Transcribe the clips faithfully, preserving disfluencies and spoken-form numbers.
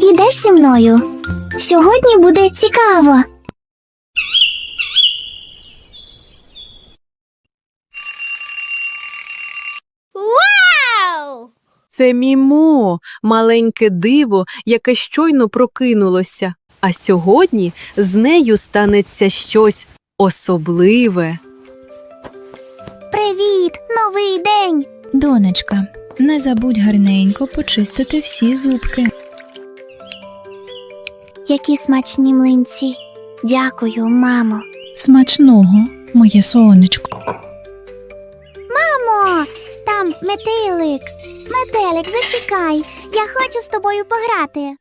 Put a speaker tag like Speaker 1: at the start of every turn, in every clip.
Speaker 1: Ідеш зі мною? Сьогодні буде цікаво.
Speaker 2: Вау!
Speaker 3: Це Мімо, маленьке диво, яке щойно прокинулося. А сьогодні з нею станеться щось особливе.
Speaker 1: Привіт, новий день!
Speaker 4: Донечка, не забудь гарненько почистити всі зубки.
Speaker 1: Які смачні млинці. Дякую, мамо.
Speaker 4: Смачного, моє сонечко.
Speaker 1: Мамо, там метелик. Метелик, зачекай. Я хочу з тобою пограти.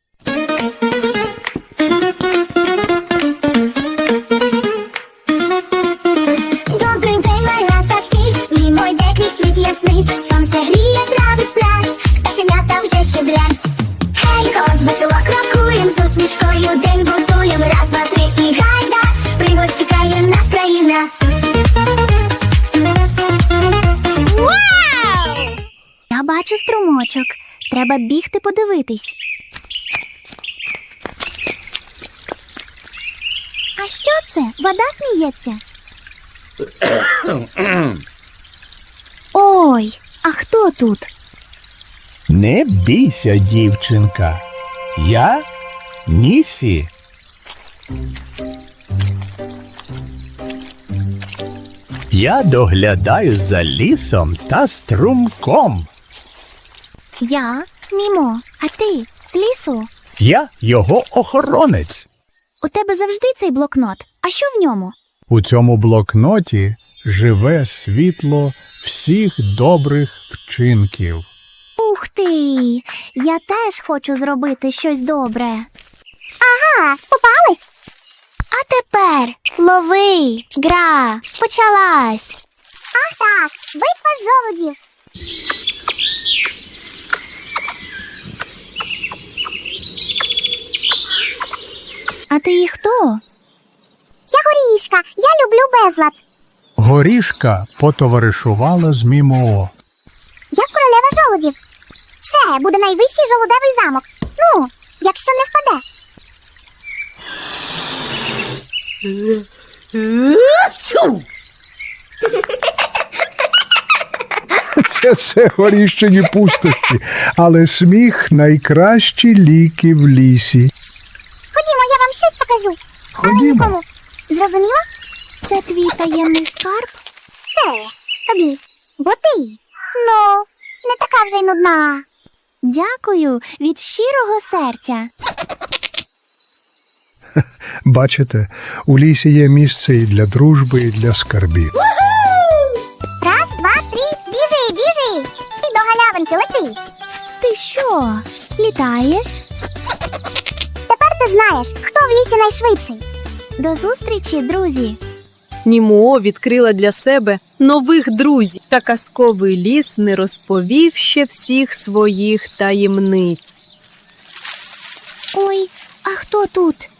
Speaker 5: Добрий день, малята всі, Мімо йде крізь світ ясний. Сонце гріє, трави сплять, пташенята вже щеблять. Гей, хоп, весело крокуєм, з усмішкою день будуєм. Раз, два, три і гайда, пригод чекає нас країна.
Speaker 2: Вау!
Speaker 1: Я бачу струмочок. Треба бігти подивитись. А що це? Вода сміється? Ой, а хто тут?
Speaker 6: Не бійся, дівчинка. Я Нісі. Я доглядаю за лісом та струмком.
Speaker 1: Я Мімо, а ти з лісу?
Speaker 6: Я його охоронець.
Speaker 1: У тебе завжди цей блокнот. А що в ньому?
Speaker 6: У цьому блокноті живе світло всіх добрих вчинків.
Speaker 1: Ух ти! Я теж хочу зробити щось добре. Ага, попалась? А тепер лови, гра, почалась.
Speaker 5: Ах так, битва жолудів.
Speaker 1: А ти і хто?
Speaker 5: Я горішка, я люблю безлад.
Speaker 6: Горішка потоваришувала з Мімо.
Speaker 5: Я королева жолудів. Це буде найвищий жолудевий замок. Ну, якщо не впаде.
Speaker 6: Це все горіщені пустощі, але сміх найкращі ліки в лісі.
Speaker 5: Ходімо, я вам щось покажу. Але
Speaker 6: Ходімо.
Speaker 5: нікому. Зрозуміла?
Speaker 1: Це твій таємний скарб?
Speaker 5: Це тобі. Бо ти, ну, не така вже й нудна.
Speaker 1: Дякую від щирого серця.
Speaker 6: Бачите, у лісі є місце і для дружби, і для скарбів.
Speaker 5: Раз, два, три, біжи, біжи. І до галявинки лети.
Speaker 1: Ти що, літаєш?
Speaker 5: Тепер ти знаєш, хто в лісі найшвидший.
Speaker 1: До зустрічі, друзі!
Speaker 3: Німо відкрила для себе нових друзів, та казковий ліс не розповів ще всіх своїх таємниць.
Speaker 1: Ой, а хто тут?